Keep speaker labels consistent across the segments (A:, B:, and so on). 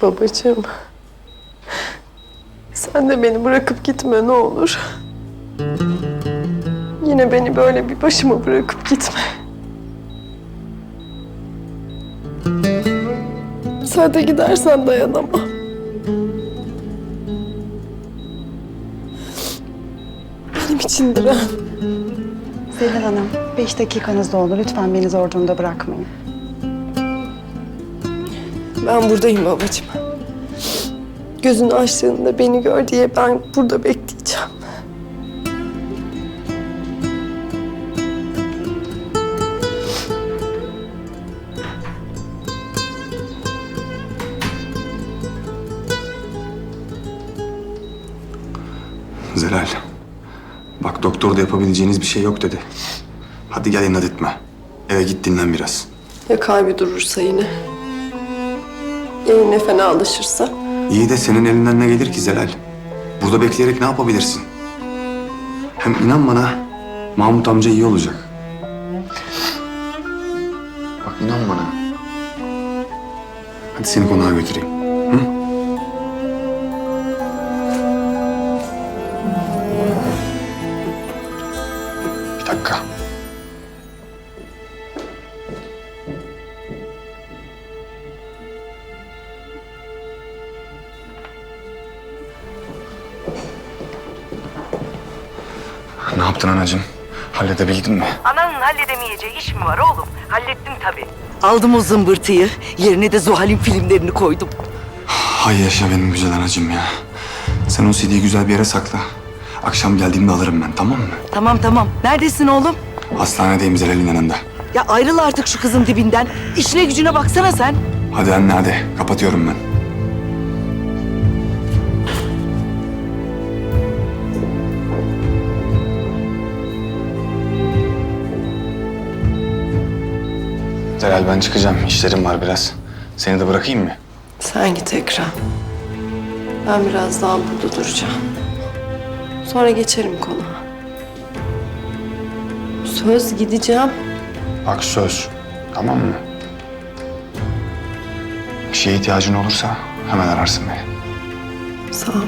A: Babacığım. Sen de beni bırakıp gitme ne olur. Yine beni böyle bir başıma bırakıp gitme. Sen de gidersen dayanamam. Benim için diren.
B: Zelal Hanım, 5 dakikanız doldu. Lütfen beni zor durumda bırakmayın.
A: Ben buradayım babacığım. Gözünü açtığında beni gör diye ben burada bekleyeceğim.
C: Zelal, bak doktor da yapabileceğiniz bir şey yok dedi. Hadi gel inat etme. Eve git dinlen biraz.
A: Ya kalbi durursa yine? Ya yine fenalaşırsa?
C: İyi de senin elinden ne gelir ki Zelal? Burada bekleyerek ne yapabilirsin? Hem inan bana, Mahmut amca iyi olacak. Bak inan bana. Hadi seni konağa götüreyim. Hı? Bir dakika. Ne yaptın anacığım? Halledebildin mi?
D: Ananın halledemeyeceği iş mi var oğlum? Hallettim tabii.
E: Aldım o zımbırtıyı. Yerine de Zuhal'in filmlerini koydum.
C: Hay yaşa benim güzel anacığım ya. Sen o CD'yi güzel bir yere sakla. Akşam geldiğimde alırım ben, tamam mı?
E: Tamam. Neredesin oğlum?
C: Hastanedeyim Zelal'in yanında.
E: Ya ayrıl artık şu kızın dibinden. İşine gücüne baksana sen.
C: Hadi anne hadi. Kapatıyorum ben. Zelal ben çıkacağım. İşlerim var biraz. Seni de bırakayım mı?
A: Sen git Ekrem. Ben biraz daha burada duracağım. Sonra geçerim konağa. Söz gideceğim.
C: Bak söz. Tamam mı? Bir şeye ihtiyacın olursa hemen ararsın beni.
A: Sağ ol.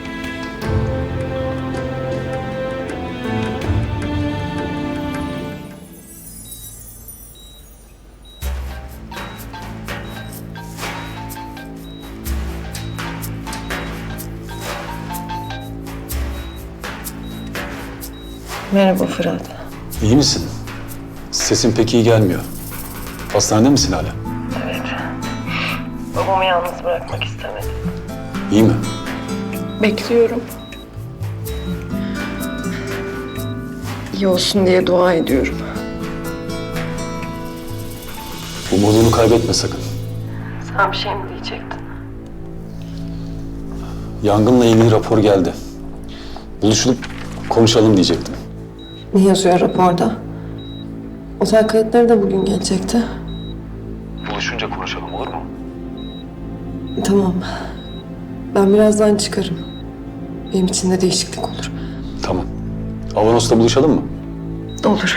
A: Merhaba Fırat.
F: İyi misin? Sesin pek iyi gelmiyor. Hastanede misin hala?
A: Babamı yalnız bırakmak istemedim.
F: İyi mi?
A: Bekliyorum. İyi olsun diye dua ediyorum.
F: Umudunu kaybetme sakın.
A: Sen bir şey mi diyecektin?
F: Yangınla ilgili rapor geldi. Buluşulup konuşalım diyecektim.
A: Ne yazıyor raporda? Otel kayıtları da bugün gelecekti.
F: Buluşunca konuşalım olur mu?
A: Tamam. Ben birazdan çıkarım. Benim için de değişiklik olur.
F: Tamam. Avanos'ta buluşalım mı?
A: Olur.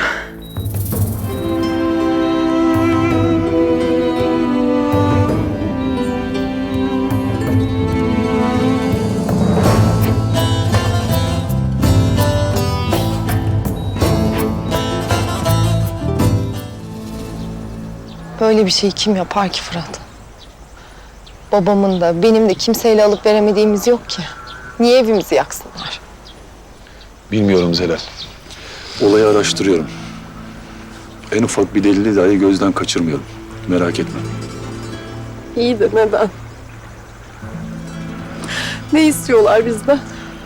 A: Böyle bir şeyi kim yapar ki Fırat? Babamın da benim de kimseyle alıp veremediğimiz yok ki. Niye evimizi yaksınlar?
F: Bilmiyorum Zelal. Olayı araştırıyorum. En ufak bir delili dahi gözden kaçırmıyorum. Merak etme.
A: İyi de neden? Ne istiyorlar bizden?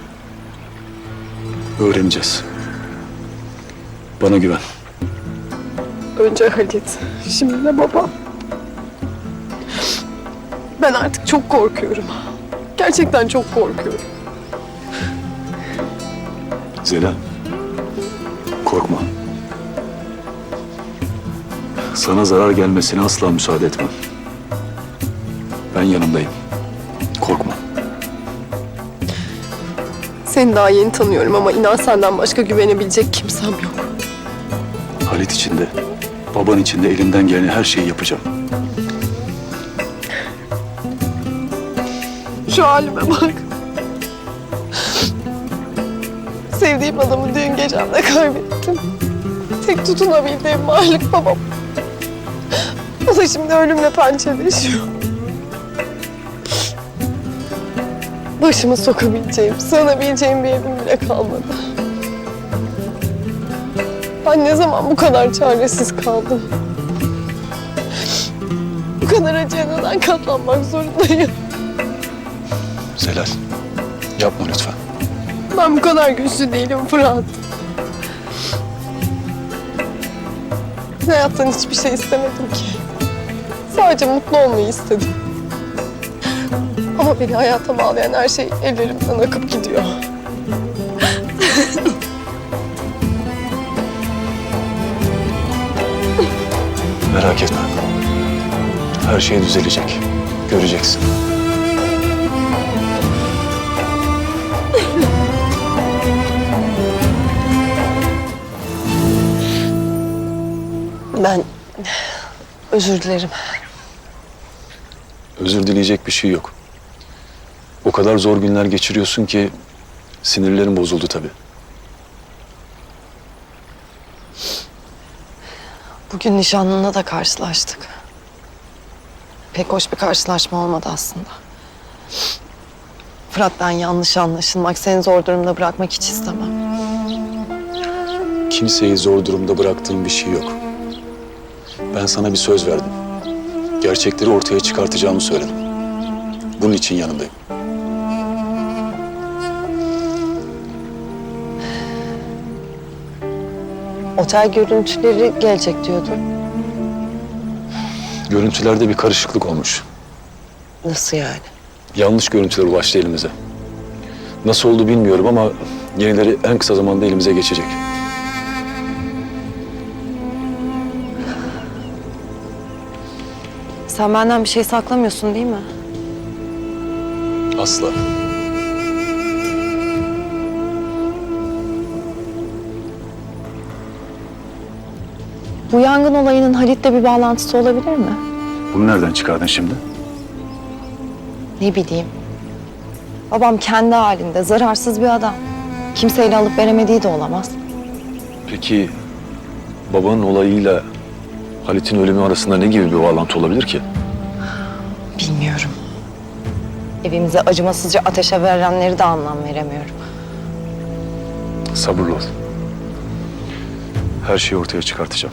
F: Öğreneceğiz. Bana güven.
A: Önce Halit, şimdi de babam. Ben artık çok korkuyorum. Gerçekten çok korkuyorum.
F: Zelal. Korkma. Sana zarar gelmesine asla müsaade etmem. Ben yanındayım. Korkma.
A: Seni daha yeni tanıyorum ama inan senden başka güvenebilecek kimsem yok.
F: Halit için de, baban için de elimden gelen her şeyi yapacağım.
A: Şu halime bak. Sevdiğim adamı düğün gecemde kaybettim. Tek tutunabildiğim varlık babam. O da şimdi ölümle pençeleşiyor. Başımı sokabileceğim, sığınabileceğim bir evim bile kalmadı. Ben ne zaman bu kadar çaresiz kaldım? Bu kadar acıya neden katlanmak zorundayım?
F: Zelal, yapma lütfen.
A: Ben bu kadar güçlü değilim Fırat. Hayattan hiçbir şey istemedim ki. Sadece mutlu olmayı istedim. Ama beni hayata bağlayan her şey ellerimden akıp gidiyor.
F: Merak etme. Her şey düzelecek. Göreceksin.
A: Ben özür dilerim.
F: Özür dileyecek bir şey yok. O kadar zor günler geçiriyorsun ki sinirlerin bozuldu tabii.
A: Bugün nişanlına da karşılaştık. Pek hoş bir karşılaşma olmadı aslında. Fırat, ben yanlış anlaşılmak, seni zor durumda bırakmak hiç istemem.
F: Kimseyi zor durumda bıraktığım bir şey yok. Ben sana bir söz verdim. Gerçekleri ortaya çıkartacağımı söyledim. Bunun için yanındayım.
A: Otel görüntüleri gelecek diyordun.
F: Görüntülerde bir karışıklık olmuş.
A: Nasıl yani?
F: Yanlış görüntüler ulaştı elimize. Nasıl oldu bilmiyorum ama yenileri en kısa zamanda elimize geçecek.
A: Sen benden bir şey saklamıyorsun değil mi?
F: Asla.
A: Bu yangın olayının Halit'le bir bağlantısı olabilir mi?
F: Bunu nereden çıkardın şimdi?
A: Ne bileyim. Babam kendi halinde zararsız bir adam. Kimseyle alıp veremediği de olamaz.
F: Peki babanın olayıyla Halit'in ölümü arasında ne gibi bir bağlantı olabilir ki?
A: Bilmiyorum. Evimize acımasızca ateşe verenleri de anlam veremiyorum.
F: Sabırlı ol. Her şeyi ortaya çıkartacağım.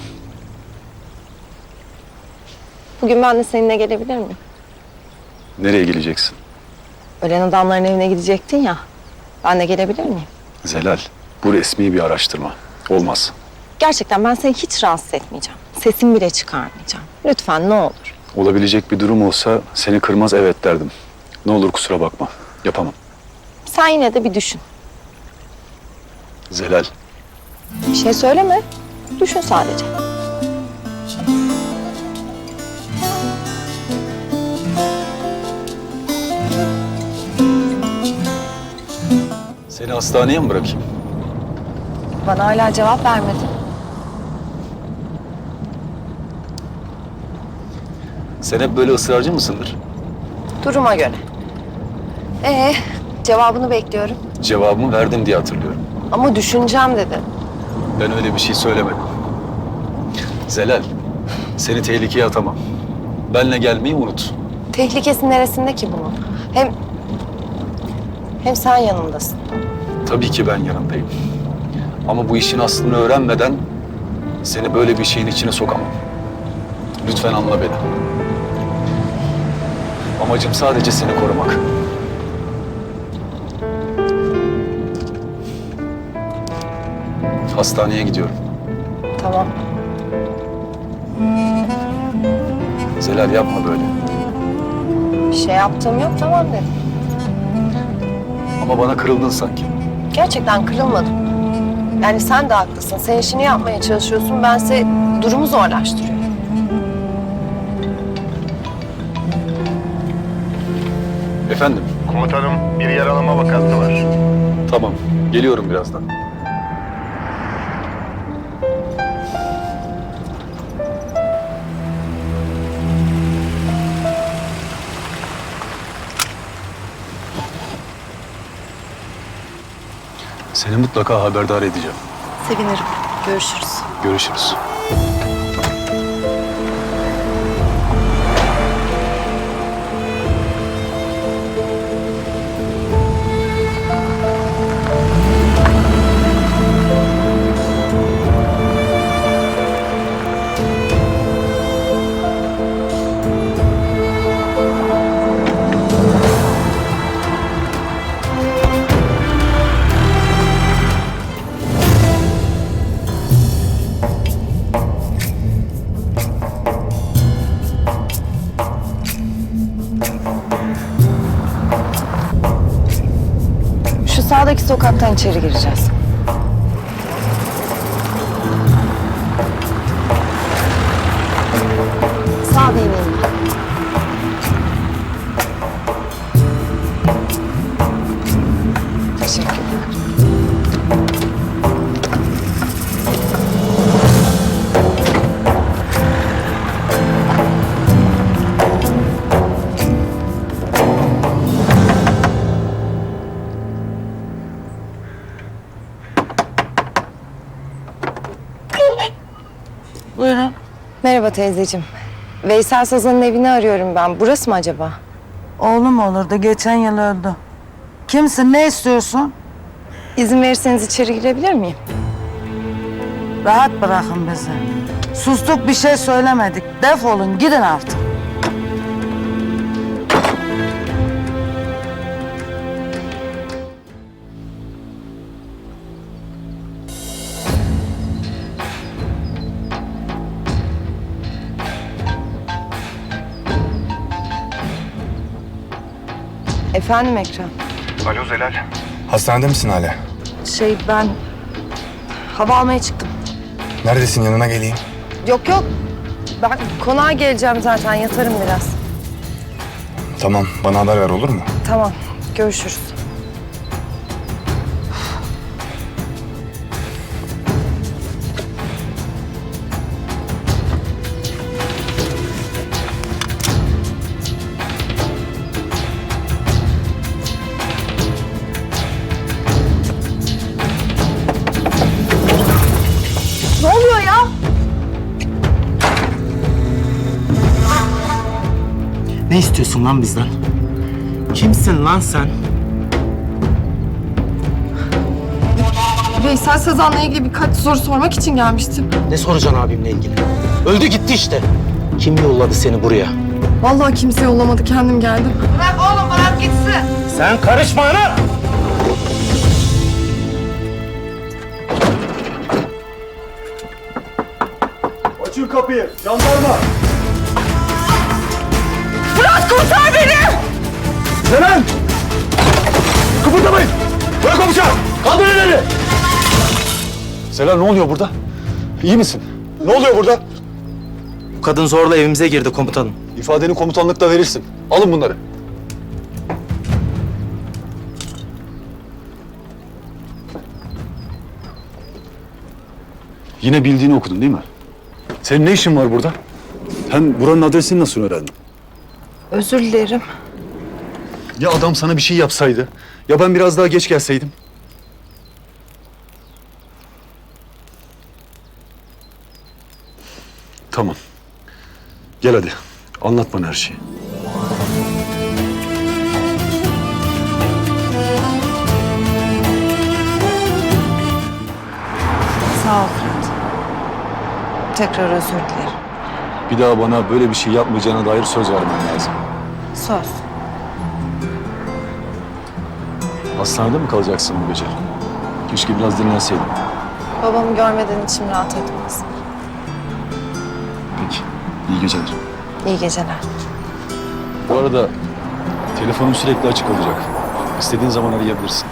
A: Bugün ben de seninle gelebilir miyim?
F: Nereye geleceksin?
A: Ölen adamların evine gidecektin ya. Ben de gelebilir miyim?
F: Zelal, bu resmi bir araştırma. Olmaz.
A: Gerçekten ben seni hiç rahatsız etmeyeceğim. Sesimi bile çıkarmayacağım. Lütfen ne olur.
F: Olabilecek bir durum olsa seni kırmaz evet derdim. Ne olur kusura bakma. Yapamam.
A: Sen yine de bir düşün.
F: Zelal,
A: Bir şey söyleme. Düşün sadece.
F: seni hastaneye mi bırakayım?
A: Bana hala cevap vermedin.
F: Sen hep böyle ısrarcı mısındır?
A: Duruma göre. Cevabını bekliyorum.
F: Cevabımı verdim diye hatırlıyorum.
A: Ama düşüneceğim dedin.
F: Ben öyle bir şey söylemedim. Zelal, seni tehlikeye atamam. Benle gelmeyi unut.
A: Tehlikesi neresinde ki bunun? Hem sen yanımdasın.
F: Tabii ki ben yanındayım. Ama bu işin aslını öğrenmeden seni böyle bir şeyin içine sokamam. Lütfen anla beni. Amacım sadece seni korumak. Hastaneye gidiyorum.
A: Tamam.
F: Zelal yapma böyle.
A: Bir şey yaptığım yok, tamam dedim.
F: Ama bana kırıldın sanki.
A: Gerçekten kırılmadım. Yani sen de haklısın. Sen işini yapmaya çalışıyorsun. Bense durumu zorlaştırıyorum.
F: Efendim?
G: Komutanım, bir yaralama vakası var.
F: Tamam. Geliyorum birazdan. Seni mutlaka haberdar edeceğim.
B: Sevinirim. Görüşürüz.
F: Görüşürüz.
A: Şu sağdaki sokaktan içeri gireceğiz. Sağ değilim. Teşekkürler.
H: Buyurun.
A: Merhaba teyzeciğim. Veysel Sazan'ın evini arıyorum ben. Burası mı acaba?
H: Oğlum olurdu. Geçen yıl öldü. Kimsin? Ne istiyorsun?
A: İzin verirseniz içeri girebilir miyim?
H: Rahat bırakın bizi. Sustuk, bir şey söylemedik. Defolun, gidin artık.
A: Efendim Ekrem.
G: Alo Zelal.
C: Hastanede misin hala?
A: Ben hava almaya çıktım.
C: Neredesin, yanına geleyim.
A: Yok yok. Ben konağa geleceğim zaten. Yatarım biraz.
C: Tamam, bana haber ver olur mu?
A: Tamam. Görüşürüz. Ne oluyor ya?
I: Ne istiyorsun lan bizden? Kimsin lan sen?
J: Veysel Sazan'la ilgili birkaç soru sormak için gelmiştim.
I: Ne soracaksın abimle ilgili? Öldü gitti işte. Kim yolladı seni buraya?
J: Vallahi kimse yollamadı, kendim geldim.
D: Bırak oğlum, bırak gitsin.
I: Sen karışma ana!
F: Açın kapıyı, jandarma!
J: Fırat kurtar beni!
F: Zelal! Kıpırdamayın! Bırak o bıçağı! Kaldır elleri! Zelal, ne oluyor burada? İyi misin? Ne oluyor burada?
I: Bu kadın zorla evimize girdi komutanım.
F: İfadeni komutanlıkta verirsin. Alın bunları. Yine bildiğini okudun değil mi? Senin ne işin var burada? Hem buranın adresini nasıl öğrendin?
A: Özür dilerim.
F: Ya adam sana bir şey yapsaydı? Ya ben biraz daha geç gelseydim? Tamam. Gel hadi. Anlat bana her şeyi.
A: Sağ ol Fırat. Tekrar özür dilerim.
F: Bir daha bana böyle bir şey yapmayacağına dair söz vermen lazım.
A: Söz.
F: Hastanede mi kalacaksın bu gece? Keşke biraz dinlenseydin.
A: Babamı görmeden içim rahat etmez.
F: Peki. İyi geceler.
A: İyi geceler.
F: Bu arada telefonum sürekli açık olacak. İstediğin zaman arayabilirsin.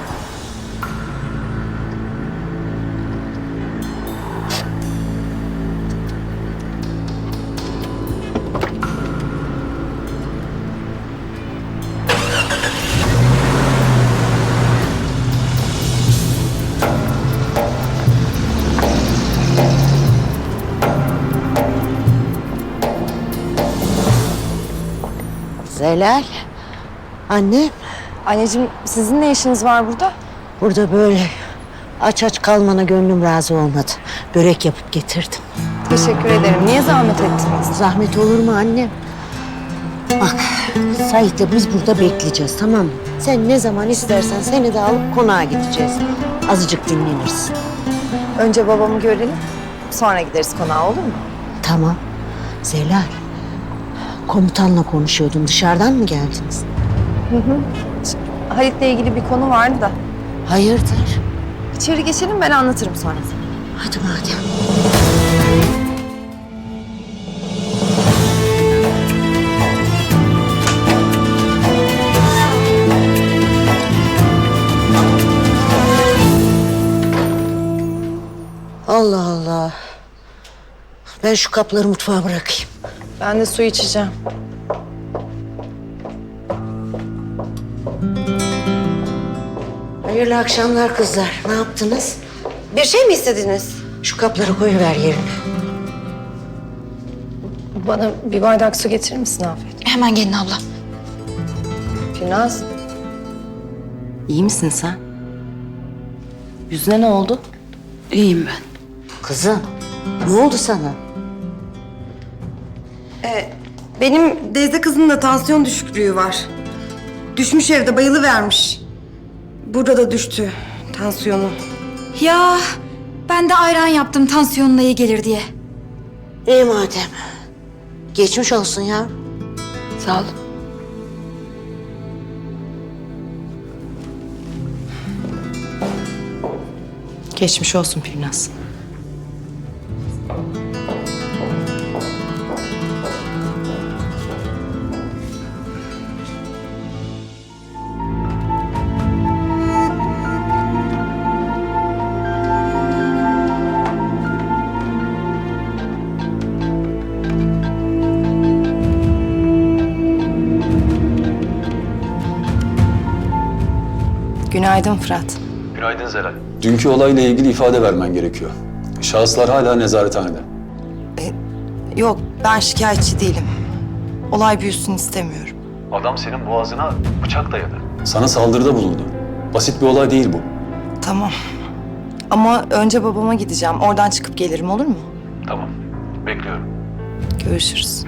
E: Zelal. Anne,
A: Anneciğim sizin ne işiniz var burada?
E: burada böyle
K: Aç aç kalmana gönlüm razı olmadı. Börek yapıp getirdim.
A: Teşekkür ederim. Niye zahmet ettiniz?
K: Zahmet olur mu annem? Bak, Sait'le biz burada bekleyeceğiz, tamam mı? Sen ne zaman istersen seni de alıp konağa gideceğiz. Azıcık dinlenirsin.
A: Önce babamı görelim. Sonra gideriz konağa, olur mu?
K: Tamam. Zelal, komutanla konuşuyordun. Dışarıdan mı geldiniz?
A: Halit'le ilgili bir konu vardı da.
K: Hayırdır?
A: İçeri geçelim, ben anlatırım sonra.
K: Hadi madem. Allah Allah. Ben şu kapları mutfağa bırakayım.
A: Ben de su içeceğim.
K: Hayırlı akşamlar kızlar. Ne yaptınız?
A: Bir şey mi istediniz?
K: Şu kapları koyuver yerine.
A: Bana bir bardak su getirir misin Afet?
J: Hemen gelin abla.
A: Gülnaz. İyi misin sen? Yüzüne ne oldu?
J: İyiyim ben.
K: Kızım, ne oldu sana?
B: Benim teyze kızının da tansiyon düşüklüğü var. Düşmüş evde bayılıvermiş. Burada da düştü tansiyonu.
J: Ya ben de ayran yaptım tansiyonuna iyi gelir diye.
K: İyi madem. Geçmiş olsun ya.
J: Sağ ol.
A: Geçmiş olsun Gülnaz. Günaydın Fırat.
F: Günaydın Zelal. Dünkü olayla ilgili ifade vermen gerekiyor. Şahıslar hala nezarethanede.
A: Yok, ben şikayetçi değilim. Olay büyüsün istemiyorum.
F: Adam senin boğazına bıçak dayadı. Sana saldırıda bulundu. Basit bir olay değil bu.
A: Tamam. Ama önce babama gideceğim. Oradan çıkıp gelirim, olur mu?
F: Tamam. Bekliyorum.
A: Görüşürüz.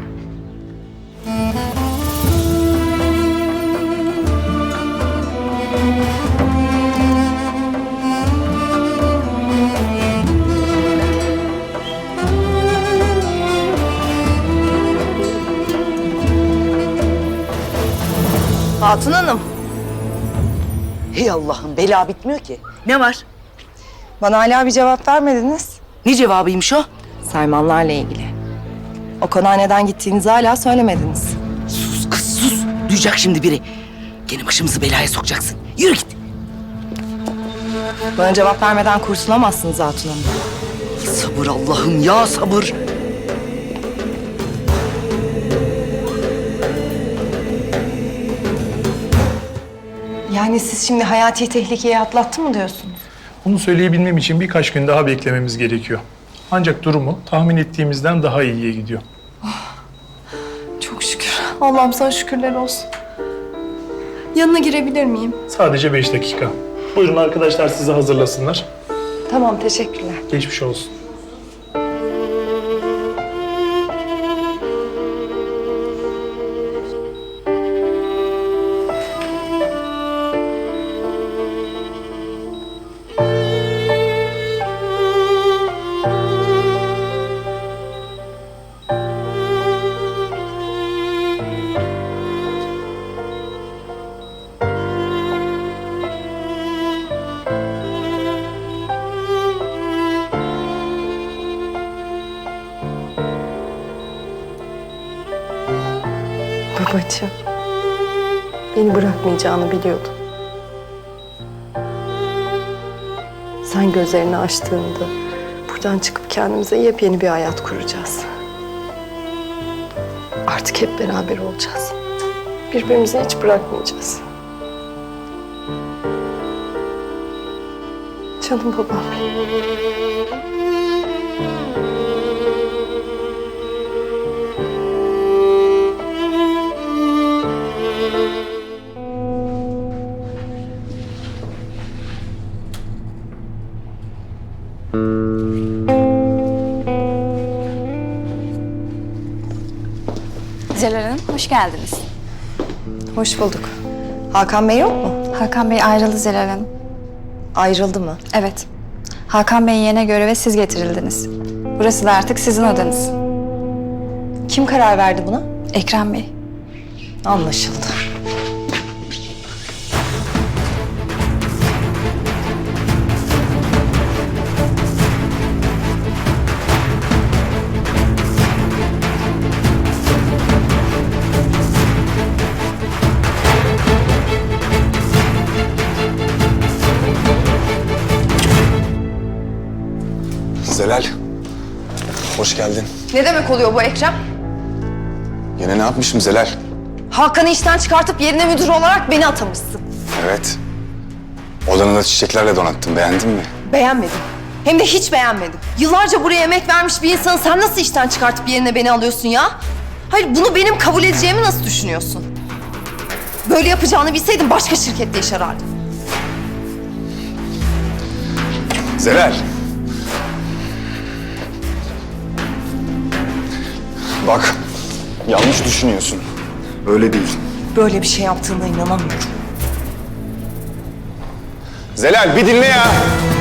A: Hatun Hanım,
E: Hey Allah'ım, bela bitmiyor ki. Ne var?
A: bana hala bir cevap vermediniz.
E: Ne cevabıymış o?
A: Selmanlarla ilgili. O konağa neden gittiğinizi hala söylemediniz.
E: Sus kız sus. Duyacak şimdi biri. Gene başımızı belaya sokacaksın. Yürü git.
A: Bana cevap vermeden kurtulamazsınız Hatun Hanım.
E: Sabır Allah'ım ya, sabır.
A: Yani siz şimdi hayati tehlikeyi atlattı mı diyorsunuz?
L: Bunu söyleyebilmem için birkaç gün daha beklememiz gerekiyor. Ancak durumu tahmin ettiğimizden daha iyiye gidiyor.
J: Çok şükür. Allah'ım sana şükürler olsun. Yanına girebilir miyim?
L: Sadece 5 dakika. Buyurun arkadaşlar sizi hazırlasınlar.
A: Tamam, teşekkürler.
L: Geçmiş olsun.
A: Babacığım, beni bırakmayacağını biliyordum. Sen gözlerini açtığında buradan çıkıp kendimize yepyeni bir hayat kuracağız. Artık hep beraber olacağız. Birbirimizi hiç bırakmayacağız. Canım babam.
J: Hoş geldiniz.
A: Hoş bulduk. Hakan Bey yok mu?
J: Hakan Bey ayrıldı Zelal Hanım.
A: Ayrıldı mı?
J: Evet. Hakan Bey'in yerine göreve siz getirildiniz. Burası da artık sizin odanız.
A: Kim karar verdi buna?
J: Ekrem Bey.
A: Anlaşıldı.
C: Zelal, hoş geldin.
A: Ne demek oluyor bu Ekrem?
C: Yine ne yapmışım Zelal?
A: Hakan'ı işten çıkartıp yerine müdür olarak beni atamışsın.
C: Evet. Odanı da çiçeklerle donattım. Beğendin mi?
A: Beğenmedim. Hem de hiç beğenmedim. Yıllarca buraya emek vermiş bir insanı sen nasıl işten çıkartıp yerine beni alıyorsun ya? Hayır, bunu benim kabul edeceğimi nasıl düşünüyorsun? Böyle yapacağını bilseydim başka şirkette iş arardım.
C: Zelal. Bak, yanlış düşünüyorsun. Öyle değil.
A: Böyle bir şey yaptığına inanamıyorum.
C: Zelal bir dinle ya.